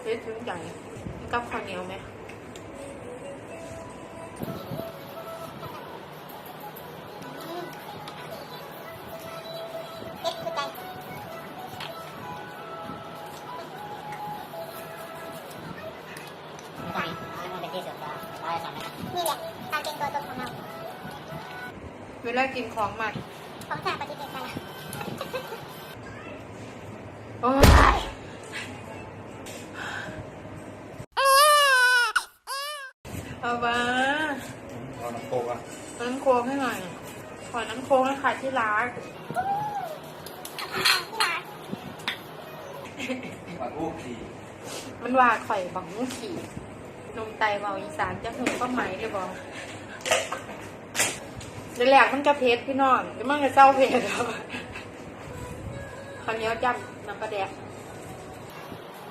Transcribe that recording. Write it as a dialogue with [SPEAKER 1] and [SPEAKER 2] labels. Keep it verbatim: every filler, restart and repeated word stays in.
[SPEAKER 1] เล็ดถึงใจกับข้าวเหนียวไหม
[SPEAKER 2] นี่แหละการเป็นตัวตนของเรา
[SPEAKER 1] เวลากินของมัน
[SPEAKER 2] ของจากปฏิเสธไป
[SPEAKER 1] โอ้ยเอาบ้า
[SPEAKER 3] เอาน้ำโคกอ่ะ
[SPEAKER 1] น้ำโค้งให้หน่อยขอน้ำโค้งให้ค่ะที่ร้าน
[SPEAKER 3] ปลาทูขี่
[SPEAKER 1] มันว่าข่อยบังมุขี่นมไตเบาอีสานจะหูก็ไหมเลยบอกเดี๋ยวแหลกมันจะเพชรพี่น้องเดี๋ยวมันจะเศร้าเพชรครับข้าวเหนียวจำน้ำปลาแดก